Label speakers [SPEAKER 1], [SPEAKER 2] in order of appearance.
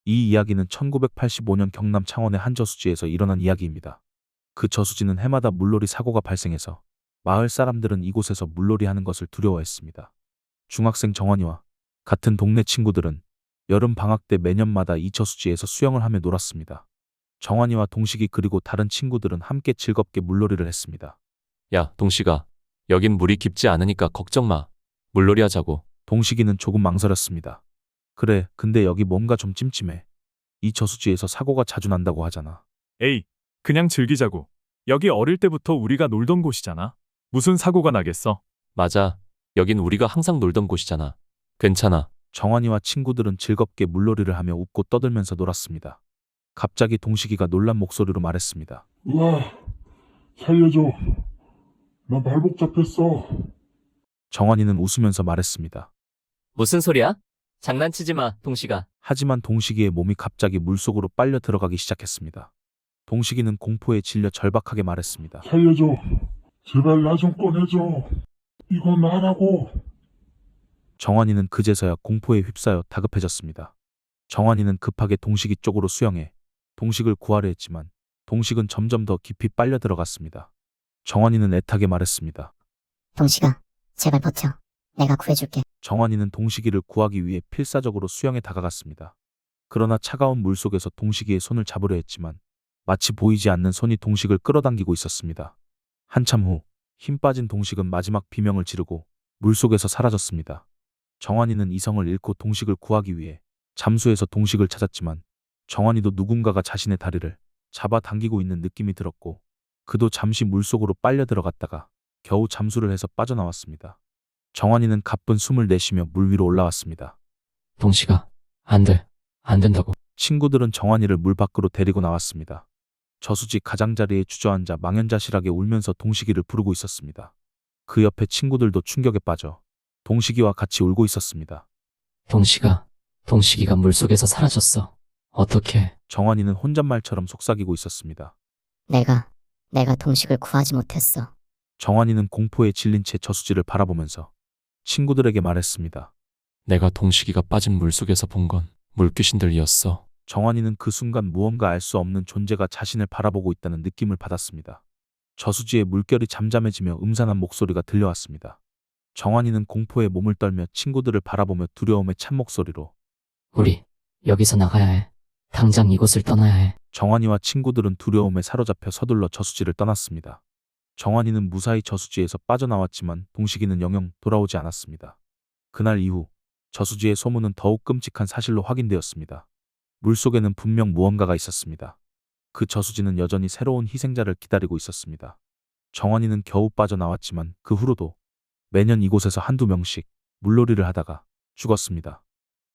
[SPEAKER 1] 이 이야기는 1985년 경남 창원의 한 저수지에서 일어난 이야기입니다. 그 저수지는 해마다 물놀이 사고가 발생해서 마을 사람들은 이곳에서 물놀이 하는 것을 두려워했습니다. 중학생 정환이와 같은 동네 친구들은 여름 방학 때 매년마다 이 저수지에서 수영을 하며 놀았습니다. 정환이와 동식이 그리고 다른 친구들은 함께 즐겁게 물놀이를 했습니다.
[SPEAKER 2] 야, 동식아. 여긴 물이 깊지 않으니까 걱정 마. 물놀이 하자고.
[SPEAKER 1] 동식이는 조금 망설였습니다. 그래, 근데 여기 뭔가 좀 찜찜해. 이 저수지에서 사고가 자주 난다고 하잖아.
[SPEAKER 3] 에이, 그냥 즐기자고. 여기 어릴 때부터 우리가 놀던 곳이잖아. 무슨 사고가 나겠어?
[SPEAKER 2] 맞아. 여긴 우리가 항상 놀던 곳이잖아. 괜찮아.
[SPEAKER 1] 정환이와 친구들은 즐겁게 물놀이를 하며 웃고 떠들면서 놀았습니다. 갑자기 동식이가 놀란 목소리로 말했습니다.
[SPEAKER 4] 으아, 살려줘. 나 발목 잡혔어.
[SPEAKER 1] 정환이는 웃으면서 말했습니다.
[SPEAKER 5] 무슨 소리야? 장난치지 마, 동식아.
[SPEAKER 1] 하지만 동식이의 몸이 갑자기 물속으로 빨려 들어가기 시작했습니다. 동식이는 공포에 질려 절박하게 말했습니다.
[SPEAKER 4] 살려줘. 제발 나 좀 꺼내줘. 이건 나라고.
[SPEAKER 1] 정환이는 그제서야 공포에 휩싸여 다급해졌습니다. 정환이는 급하게 동식이 쪽으로 수영해 동식을 구하려 했지만 동식은 점점 더 깊이 빨려 들어갔습니다. 정환이는 애타게 말했습니다.
[SPEAKER 6] 동식아, 제발 버텨. 내가 구해줄게.
[SPEAKER 1] 정환이는 동식이를 구하기 위해 필사적으로 수영에 다가갔습니다. 그러나 차가운 물속에서 동식이의 손을 잡으려 했지만 마치 보이지 않는 손이 동식을 끌어당기고 있었습니다. 한참 후 힘 빠진 동식은 마지막 비명을 지르고 물속에서 사라졌습니다. 정환이는 이성을 잃고 동식을 구하기 위해 잠수해서 동식을 찾았지만 정환이도 누군가가 자신의 다리를 잡아당기고 있는 느낌이 들었고 그도 잠시 물속으로 빨려 들어갔다가 겨우 잠수를 해서 빠져나왔습니다. 정환이는 가쁜 숨을 내쉬며 물 위로 올라왔습니다.
[SPEAKER 5] 동식아, 안 돼. 안 된다고.
[SPEAKER 1] 친구들은 정환이를 물 밖으로 데리고 나왔습니다. 저수지 가장자리에 주저앉아 망연자실하게 울면서 동식이를 부르고 있었습니다. 그 옆에 친구들도 충격에 빠져 동식이와 같이 울고 있었습니다.
[SPEAKER 5] 동식이가 물속에서 사라졌어. 어떡해.
[SPEAKER 1] 정환이는 혼잣말처럼 속삭이고 있었습니다.
[SPEAKER 6] 내가 동식을 구하지 못했어.
[SPEAKER 1] 정환이는 공포에 질린 채 저수지를 바라보면서 친구들에게 말했습니다.
[SPEAKER 2] 내가 동식이가 빠진 물속에서 본 건 물귀신들이었어.
[SPEAKER 1] 정환이는 그 순간 무언가 알 수 없는 존재가 자신을 바라보고 있다는 느낌을 받았습니다. 저수지의 물결이 잠잠해지며 음산한 목소리가 들려왔습니다. 정환이는 공포에 몸을 떨며 친구들을 바라보며 두려움에 찬 목소리로
[SPEAKER 5] 우리 여기서 나가야 해. 당장 이곳을 떠나야 해.
[SPEAKER 1] 정환이와 친구들은 두려움에 사로잡혀 서둘러 저수지를 떠났습니다. 정환이는 무사히 저수지에서 빠져나왔지만 동식이는 영영 돌아오지 않았습니다. 그날 이후 저수지의 소문은 더욱 끔찍한 사실로 확인되었습니다. 물속에는 분명 무언가가 있었습니다. 그 저수지는 여전히 새로운 희생자를 기다리고 있었습니다. 정환이는 겨우 빠져나왔지만 그 후로도 매년 이곳에서 한두 명씩 물놀이를 하다가 죽었습니다.